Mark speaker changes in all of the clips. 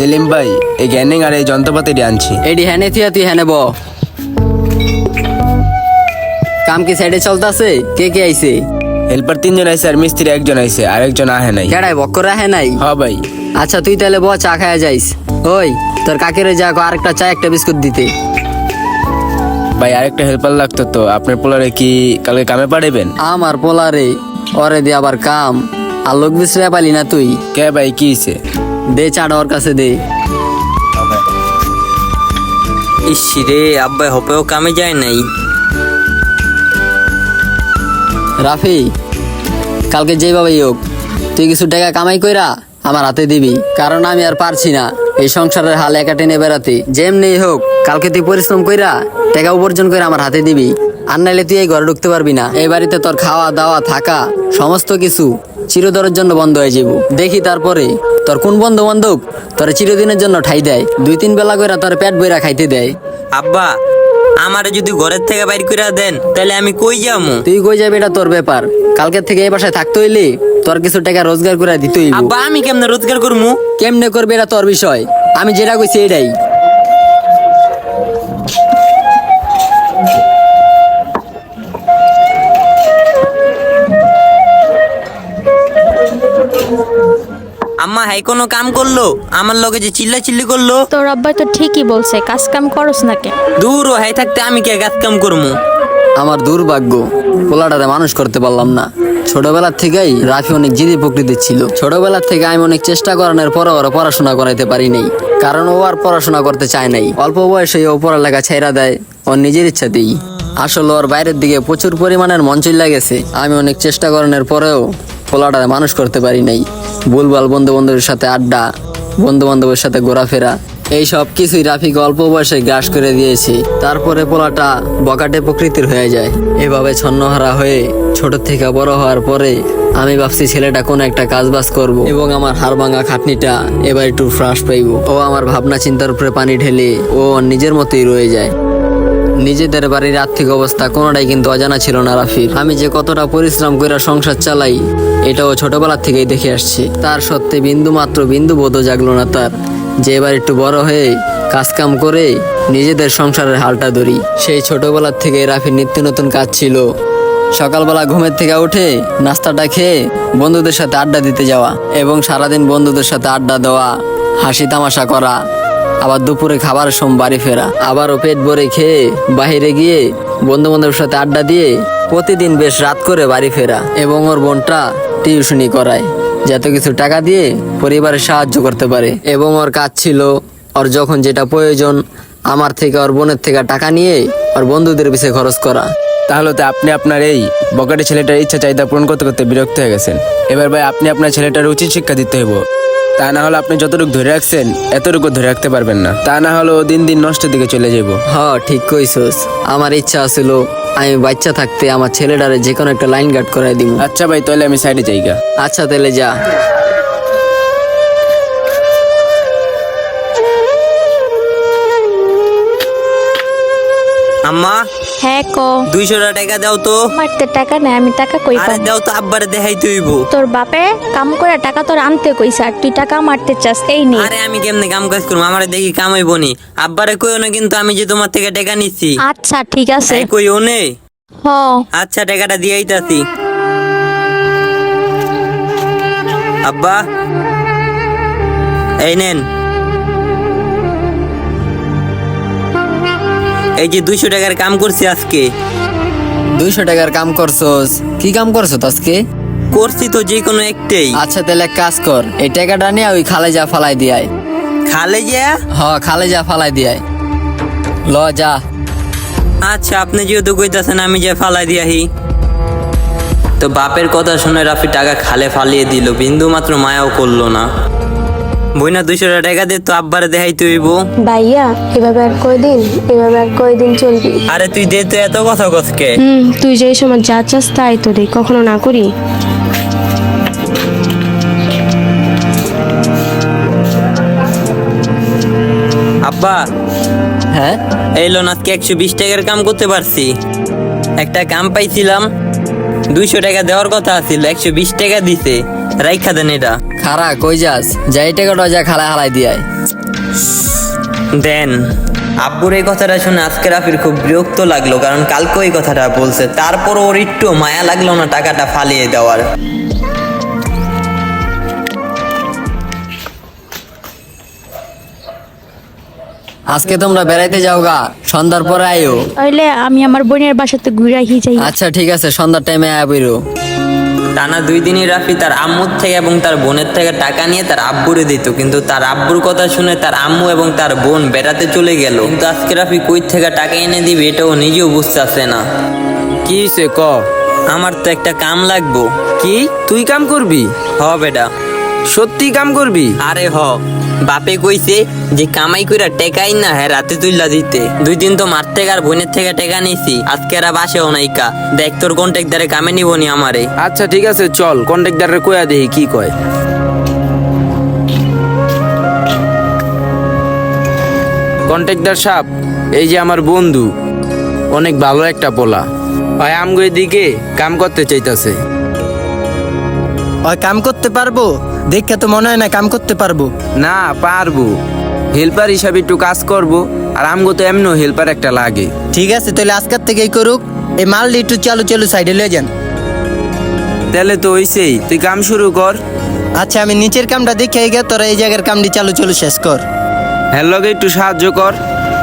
Speaker 1: সেলিম ভাই, এই গ্যানিং আর এই যন্ত্রপাতিটি আনছি।
Speaker 2: এডি হ্যানে তুই হ্যানে ব কাম কি সাইডে চলতেছে? কে কে আইছে?
Speaker 1: হেল্পার 3 জন আইছে আর মিস্ত্রি 1 জন আইছে, আরেকজন আহে নাই।
Speaker 2: কেডাই বক্কর রাহে নাই?
Speaker 1: হ ভাই।
Speaker 2: আচ্ছা তুই তাহলে ব, চা খায়া যাইস। ওই তোর কাকেরে যা আরেকটা চা একটা বিস্কুট দিতে।
Speaker 1: ভাই আরেকটা হেল্পার লাগতো তো, আপনার পোলারে কি কালকে কামে পাঠাবেন?
Speaker 2: আমার পোলারে ওরে দে আবার কাম, আর লোক বিশ্রে পালি না তুই?
Speaker 1: কে ভাই, কি হইছে?
Speaker 2: দে চাটা ওর কাছে দে।
Speaker 3: ইসিরে আব্বাই হপেও কামে যায় নাই।
Speaker 2: রাফি, কালকে যেভাবেই হোক তুই কিছু টাকা কামাই কইরা আমার হাতে দিবি, কারণ আমি আর পারছি না এই সংসারের হাল একা টেনে বেড়াতে। যেমনি হোক কালকে তুই পরিশ্রম কইরা টাকা উপার্জন করে আমার হাতে দিবি, আর নাইলে তুই এই ঘরে ঢুকতে পারবি না। এই বাড়িতে তোর খাওয়া দাওয়া থাকা সমস্ত কিছু চিরদরের জন্য বন্ধ হয়ে যাব। দেখি তারপরে তোর কোন বন্ধু বান্ধব তোর চিরদিনের জন্য ঠাই দেয়, 2-3 বেলা কইরা তোর পেট বইরা খাইতে দেয়।
Speaker 3: আব্বা আমারে যদি ঘরের থেকে বাইর করে দেন তাহলে আমি কই যামু?
Speaker 2: তুই কই যাবি এটা তোর ব্যাপার। কালকের থেকে এই বাসায় থাকতে হইলে তোর কিছু টাকা রোজগার করে দিতে হইব।
Speaker 3: আব্বা আমি কেমনে রোজগার করমু?
Speaker 2: কেমনে করবে এটা তোর বিষয়, আমি যেটা কইছি এটাই।
Speaker 3: আম্মা হাই কোনো কাম করলো? আমার লগে যে চিল্লি করলো।
Speaker 4: তোর আব্বাই তো ঠিকই বলছে, কাজ কাম করস না কে?
Speaker 3: দূর ও হাই থাকতে আমি কে কাজ কাম করমু?
Speaker 2: আমার দুর্ভাগ্য, পোলাটারে মানুষ করতে পারলাম না। ছোটবেলার থেকেই রাফি অনেক জিদি প্রকৃতির ছিল। ছোটবেলার থেকে আমি অনেক চেষ্টা করানোর পরে ওরা পড়াশোনা করাইতে পারি নাই, কারণ ও আর পড়াশোনা করতে চায় নাই। অল্প বয়সে ও পড়ালেখা ছেড়া দেয় ওর নিজের ইচ্ছাতেই। আসলে ওর বাইরের দিকে প্রচুর পরিমাণের মন চইলা গেছে। আমি অনেক চেষ্টা করানোর পরেও পোলাটারে মানুষ করতে পারি নাই। ভুলভাল বন্ধু বান্ধবের সাথে আড্ডা, বন্ধু বান্ধবের সাথে ঘোরাফেরা, এই সব কিছুই রাফিকে অল্প বয়সে গ্রাস করে দিয়েছে। তারপরে পোলাটা বকাটে প্রকৃতির হয়ে যায়। এভাবে ছন্নহারা হয়ে ছোট থেকে বড় হওয়ার পরে আমি ভাবছি ছেলেটা কোনো একটা কাজ বাজ করবো এবং আমার হাড় ভাঙা খাটনিটা এবার একটু ফ্রাস পাইব। ও আমার ভাবনা চিন্তার উপরে পানি ঢেলে ও নিজের মতোই রয়ে যায়। নিজেদের বাড়ির আর্থিক অবস্থা কোনোটাই কিন্তু অজানা ছিল না রাফির। আমি যে কতটা পরিশ্রম করে সংসার চালাই এটাও ছোটবেলার থেকেই দেখে আসছি। তার সত্ত্বে বিন্দু বোধও জাগলো না তার, যে এবার একটু বড় হয়ে কাজকাম করে নিজেদের সংসারের হালটা ধরি। সেই ছোটবেলার থেকে রাফির নিত্য নতুন কাজ ছিল সকালবেলা ঘুমের থেকে উঠে নাস্তাটা খেয়ে বন্ধুদের সাথে আড্ডা দিতে যাওয়া এবং সারাদিন বন্ধুদের সাথে আড্ডা দেওয়া, হাসি তামাশা করা, আবার দুপুরে খাবারের সময় বাড়ি ফেরা, আবারও পেট ভরে খেয়ে বাইরে গিয়ে বন্ধু বান্ধবের সাথে আড্ডা দিয়ে প্রতিদিন বেশ রাত করে বাড়ি ফেরা। এবং ওর বোনটা টিউশনি করায় যাতে কিছু টাকা দিয়ে পরিবারের সাহায্য করতে পারে। এবং ওর কাজ ছিল ওর যখন যেটা প্রয়োজন আমার থেকে ওর বোনের থেকে টাকা নিয়ে ওর বন্ধুদের পিছিয়ে খরচ করা।
Speaker 1: তাহলে তো আপনি আপনার এই বকাটে ছেলেটার ইচ্ছা চাহিদা পূরণ করতে করতে বিরক্ত হয়ে গেছেন। এবার ভাই আপনি আপনার ছেলেটার উচিত শিক্ষা দিতে হইব। তা না হলে আপনি যতটুকু ধরে রাখছেন এতটুকু ধরে রাখতে পারবেন না। তা না হলে ও দিন দিন নষ্টের দিকে চলে যাব।
Speaker 2: ঠিক কইছস। আমার ইচ্ছা ছিল আমি বাচ্চা থাকতে আমার ছেলেটারে যে কোনো একটা লাইন গার্ড করাই দিব।
Speaker 1: আচ্ছা ভাই, তাহলে আমি সাইডে যাইগা।
Speaker 2: আচ্ছা তাহলে যা।
Speaker 3: আম্মা
Speaker 4: হ্যাঁ ক।
Speaker 3: 200 টাকা দাও তো।
Speaker 4: মারতে টাকা নাই, আমি টাকা কই
Speaker 3: আরে
Speaker 4: পাবো?
Speaker 3: দাও তো, আব্বারে দেখাইতে হইব।
Speaker 4: তোর বাপে কাম করে টাকা তোর আনতে কইছে, আর তুই টাকা মারতে চাস? এই নে।
Speaker 3: আরে আমি কেমনে কাম কাজ করবো? আমারে দেখি কামাইবো নি। আব্বারে কইও না কিন্তু আমি যে তোমার থেকে টাকা নিচ্ছি।
Speaker 4: আচ্ছা ঠিক আছে।
Speaker 3: এই কইও নে।
Speaker 4: হ।
Speaker 3: আচ্ছা টাকাটা দিয়ে আইতাছি। আব্বা এই নেন, এই যে 200 টাকার কাম করছি আজকে।
Speaker 2: 200 টাকার কাম করছস? কি কাম করছো আজকে?
Speaker 3: করছি তো যে কোনো একটাই।
Speaker 2: আচ্ছা তাহলে এক কাজ কর, এই টাকাটা নিয়ে ওই খালে যা ফালাই দিয়াই।
Speaker 3: খালে যা?
Speaker 2: খালে যা ফালাই দিয়াই। ল যা।
Speaker 3: আচ্ছা আপনি যেহেতু কইতাছেন আমি যে ফালাই দিয়াহি। তো বাপের কথা শুনে রাফি টাকা খালে ফালিয়ে দিল, বিন্দু মাত্র মায়াও করলো না। বইনা 200 টাকা দিয়ে তো আব্বারে দেখাইতে হইব।
Speaker 5: ভাইয়া এভাবে আর কয়দিন চলবি?
Speaker 3: আরে তুই দে তো, এত কথা কসকে?
Speaker 5: তুই যে সময় যা চাস তাই তো দে, কখনো না করি।
Speaker 3: আব্বা
Speaker 2: হ্যাঁ
Speaker 3: এই লোন আজকে 120 টাকার কাম করতে পারছি। একটা কাম পাইছিলাম, 200 টাকা দেওয়ার কথা ছিল, 120 টাকা দিছে। রাইখা দেন এটা।
Speaker 2: খারা কই যাস, যাই টাকাটা যা খালা হালাই দিয়ায়।
Speaker 3: দেন। আব্বুর এই কথাটা শুনে আজকে রাফির খুব বিরক্ত লাগলো, কারণ কালকে ওই কথাটা বলছে, তারপর ওর একটু মায়া লাগলো না টাকাটা ফালিয়ে দেওয়ার।
Speaker 2: আজকে তোমরা বেড়াইতে যাও গা, সন্ধ্যার পরে আইও।
Speaker 4: তাইলে আমি আমার বোনের বাসাতে ঘুরে আহি যাই।
Speaker 2: আচ্ছা ঠিক আছে, সন্ধ্যার টাইমে আয়া বইরো।
Speaker 3: টানা 2 দিনই রাফি তার আম্মুর থেকে এবং তার বোনের থেকে টাকা নিয়ে তার আব্বুরে দিত, কিন্তু তার আব্বুর কথা শুনে তার আম্মু এবং তার বোন বেড়াতে চলে গেল। কিন্তু আজকে রাফি কই থেকে টাকা এনে দিবে এটাও নিজেও বুঝতেছে না।
Speaker 1: কি হইছে ক?
Speaker 3: আমার তো একটা কাম লাগবো।
Speaker 1: কি তুই কাম করবি?
Speaker 3: হ বেটা।
Speaker 1: সত্যি কাম করবি?
Speaker 3: আরে হ, বাপে কইছে যে কামাই কইরা টেকাই না হ্যাঁ রাতে তুইলা দিতে। 2 দিন তো মার থেকে আর বোনের থেকে টেকা নিছি, আজকে আর বাসেও নাইকা। দেখ তোর কন্ট্যাক্টারে কামে নিবনি আমারে।
Speaker 1: আচ্ছা ঠিক আছে, চল কন্ট্রাক্টরে কইয়া দেই কি কয়। কন্ট্রাক্টর সাহেব, এই যে আমার বন্ধু, অনেক ভালো একটা পোলা, ভাই আমগো এদিকে কাম করতে চাইতাছে।
Speaker 6: ওই কাম করতে পারবো? দেখে তো মনে হয় না কাম করতে পারবো।
Speaker 1: না পারবো, হেল্পার হিসাবে একটু কাজ করব, আর আমগো তো এমনও হেল্পার একটা লাগে।
Speaker 6: ঠিক আছে, তাহলে আজকের থেকেই করুক। এই মালটি একটু চালু চালু সাইডে লয়ে যান।
Speaker 1: তাহলে তো হইছেই, তুই কাম শুরু কর।
Speaker 6: আচ্ছা, আমি নিচের কামটা দেখে গে, তোরা এই জায়গার কামটি চালু চালু শেষ কর।
Speaker 1: হ্যাঁ লগে একটু সাহায্য কর।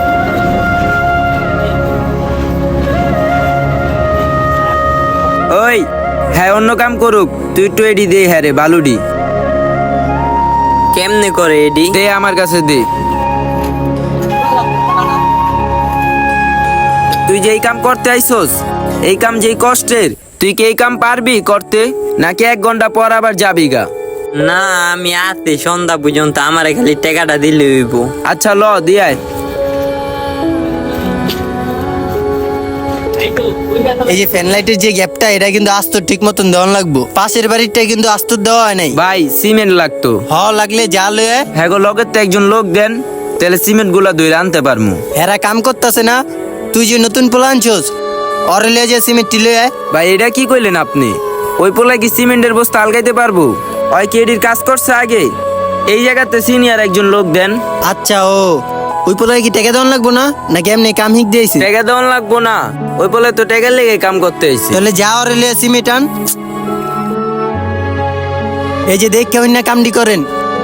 Speaker 1: ওই হ্যাঁ অন্য কাম করুক, তুই একটু এডি দে। হ্যাঁ রে বালুডি
Speaker 3: কেমনে করে এডি?
Speaker 1: দে আমার কাছে দে। তুই যেই কাম করতে আইছস, এই কাম যেই কষ্টের, তুই কি এই কাম পারবি করতে, নাকি 1 ঘন্টা পর আবার যাবি গা?
Speaker 3: না আমি আছি সন্ধ্যা পর্যন্ত, আমারে খালি টাকাটা দিলে হইব।
Speaker 1: আচ্ছা ল দিয়ায়।
Speaker 6: এই যে ফ্যান লাইটের যে গ্যাপটা, এটা কিন্তু আস্তর ঠিক মতন দেওয়া লাগবো। পাশের বাড়িটা কিন্তু আস্তর দেওয়া হয় নাই।
Speaker 1: ভাই সিমেন্ট লাগতো।
Speaker 6: লাগলে যা লয়ে
Speaker 1: হ্যাঁ গো, লগের তো একজন লোক দেন, তাহলে সিমেন্ট গুলা ধরে আনতে পারমু।
Speaker 6: এরা কাম করতেছে না, তুই যে নতুন পোলা আনছস, অরে লিয়ে যে সিমেন্ট লয়ে আয়।
Speaker 1: ভাই এটা কি কইলেন আপনি? ওই পোলায় কি সিমেন্টের বস্তা আলগাইতে পারবো? ওই কি এডির কাজ করছে আগে? এই জায়গাতে সিনিয়র একজন লোক দেন।
Speaker 6: আচ্ছা, ওই পোলায় কি টাকা দেওয়া লাগবো না, নাকি এমনি কাম হিক দিয়েছি?
Speaker 1: টাকা দেওয়ান লাগবো না, ওই পোলায় তো টাকার লেগে কাম করতে হয়েছে।
Speaker 6: তাহলে যা অরে লিয়ে সিমেন্ট আন। এই যে দেখ কেমন না কামটি করেন।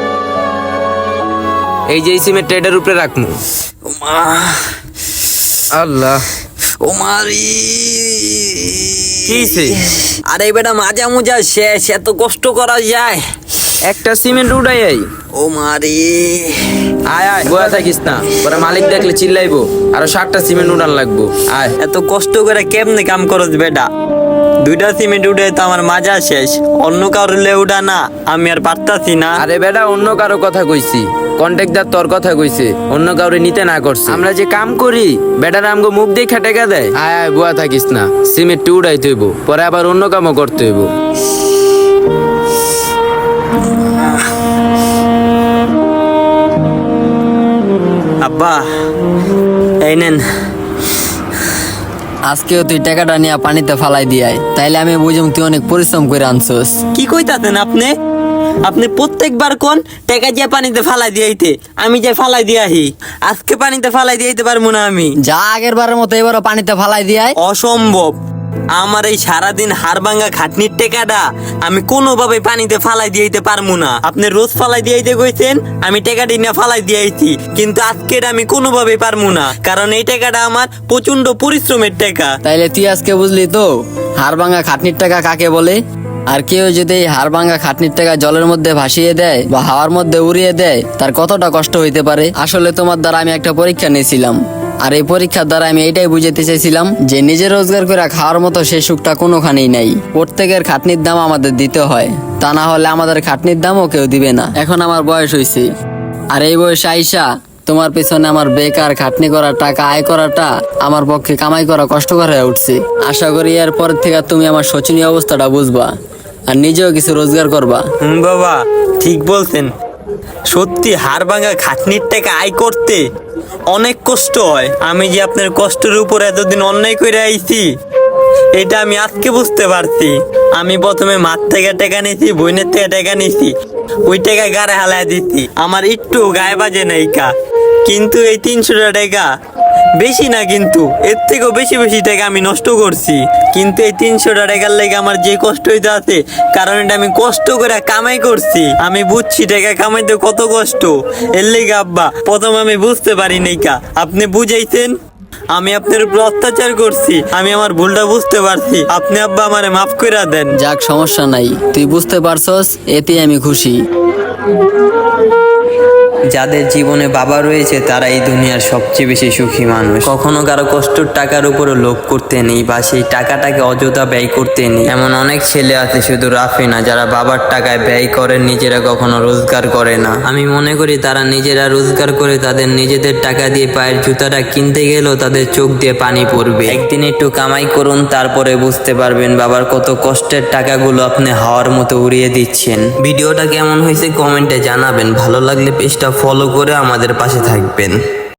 Speaker 1: এই যে এই সিমেন্ট এটার উপরে রাখমু। আল্লাহ
Speaker 3: ও মারি
Speaker 1: কিছে?
Speaker 3: আরে বেটা মাজা মুজা শেষ, এত কষ্ট করা যায়?
Speaker 1: একটা সিমেন্ট উঠাই আই।
Speaker 3: ও মারি
Speaker 1: আয় আয়, বয়া থাকিস না, ওরা মালিক দেখলে চিল্লাইবো। আরো 7টা সিমেন্ট উঠান লাগবো। আয়।
Speaker 3: এত কষ্ট করে কেমনে কাম করছ বেটা? 2টা সিমেন্ট উঠে তো আমার মাজা শেষ, অন্য কারোর উঠা না আমি আর পারতাছি না।
Speaker 1: আরে বেটা অন্য কারো কথা কইছি, কন্ট্রাক্টর তোর কথা কইছে, অন্য কাউরে নিতে না করছে। আমরা যে কাম করি, বেটার আমগো মুখ দেখে টেকা দেয়। আয় আয়, বুয়া থাকিস না, সিমেন্ট উড়াইতে হইব, পরে আবার অন্য কামও করতে হইব।
Speaker 3: আব্বা এই নেন।
Speaker 2: আজকেও তুই টাকাটা নিয়ে পানিতে ফালাই দিয়ায়, তাইলে আমি বুঝুম তুই অনেক পরিশ্রম করে আনছস।
Speaker 3: কি কইতাছেন আপনি? আপনি প্রত্যেকবার কোন টাকা দিয়ে পানিতে ফালাই দিয়াইতে, আমি যে ফালাই দিয়াহি। আজকে পানিতে ফালাই দিয়াইতে পারবো না আমি।
Speaker 2: যা আগের বারের মতো এবারও পানিতে ফালাই দিয়ায়।
Speaker 3: অসম্ভব, আমার এই সারাদিন হাড়ভাঙ্গা খাটনির টেকাটা আমি কোনোভাবে পানিতে ফালাই দিয়াইতে পারবো না। আপনি রোজ ফালাই দিয়াইতে কইছেন, আমি টাকাটি না ফালাই দিয়াইছি, কিন্তু আজকের আমি কোনোভাবে পারবো না, কারণ এই টাকাটা আমার প্রচন্ড পরিশ্রমের টাকা।
Speaker 2: তাইলে তুই আজকে বুঝলি তো হাড় ভাঙা খাটনির টাকা কাকে বলে। আর কেউ যদি এই হাড় ভাঙা খাটনির টাকা জলের মধ্যে ভাসিয়ে দেয় বা হাওয়ার মধ্যে উড়িয়ে দেয়, তার কতটা কষ্ট হইতে পারে। আসলে তোমার দ্বারা আমি একটা পরীক্ষা নিয়েছিলাম, আর এই পরীক্ষার দ্বারা আমি এইটাই বুঝাতে চাইছিলাম যে নিজে রোজগার করে খাওয়ার মতো সেই সুখটা কোনোখানেই নাই। প্রত্যেকের খাটনির দাম আমাদের দিতে হয়, তা না হলে আমাদের খাটনির দামও কেউ দিবে না। এখন আমার বয়স হয়েছে, আর এই বয়সে আইসা তোমার পেছনে আমার বেকার খাটনি করা টাকা আয় করাটা আমার পক্ষে কামাই করা কষ্টকর হয়ে উঠছে। আশা করি এরপর থেকে তুমি আমার শোচনীয় অবস্থাটা বুঝবা আর নিজেও কিছু রোজগার করবা।
Speaker 3: বাবা ঠিক বলছেন, সত্যি হাড় ভাঙা খাটনির টাকা আয় করতে অনেক কষ্ট হয়। আমি যে আপনার কষ্টের উপর এতদিন অন্যায় করে আইছি, এটা আমি আজকে বুঝতে পারছি। আমি প্রথমে মার থেকে টাকা নিয়েছি, বোনের থেকে টাকা নিয়েছি, ওই টাকা গাড়ে হালায় দিচ্ছি, আমার একটু গায়ে বাজে নাই কা। কিন্তু এই 300 টাকা বেশি না, কিন্তু এর থেকেও বেশি বেশি টাকা আমি নষ্ট করছি। কিন্তু এই 300 টাকার লেগে আমার যে কষ্ট হইতে আছে, কারণ এটা আমি কষ্ট করে কামাই করছি। আমি বুঝছি টাকা কামাইতে কত কষ্ট। এর লেগে আব্বা প্রথম আমি বুঝতে পারি নাই কা, আপনি বুঝাইছেন, আমি আপনার উপর অত্যাচার করছি, আমি আমার ভুলটা বুঝতে পারছি। আপনি আব্বা আমারে মাফ করে দেন।
Speaker 2: যাক, সমস্যা নাই, তুই বুঝতে পারছস, এতে আমি খুশি।
Speaker 3: যাদের জীবনে বাবা রয়েছে তারা এই দুনিয়ার সবচেয়ে বেশি সুখী মানুষ। কখনো কারো কষ্টের টাকার উপরে লোভ করতে নেই বা সেই টাকাটাকে অযথা ব্যয় করতে নেই। এমন অনেক ছেলে আছে, শুধু রাফি না, যারা বাবার টাকায় ব্যয় করে, নিজেরা কখনো রোজগার করে না। আমি মনে করি তারা নিজেরা রোজগার করে তাদের নিজেদের টাকা দিয়ে পায়ের জুতাটা কিনতে গেলেও তাদের চোখ দিয়ে পানি পড়বে। একদিন একটু কামাই করুন, তারপরে বুঝতে পারবেন বাবার কত কষ্টের টাকাগুলো আপনি হাওয়ার মতো উড়িয়ে দিচ্ছেন। ভিডিওটা কেমন হয়েছে কমেন্টে জানাবেন। ভালো লাগলে পেজটা ফলো করে আমাদের পাশে থাকবেন।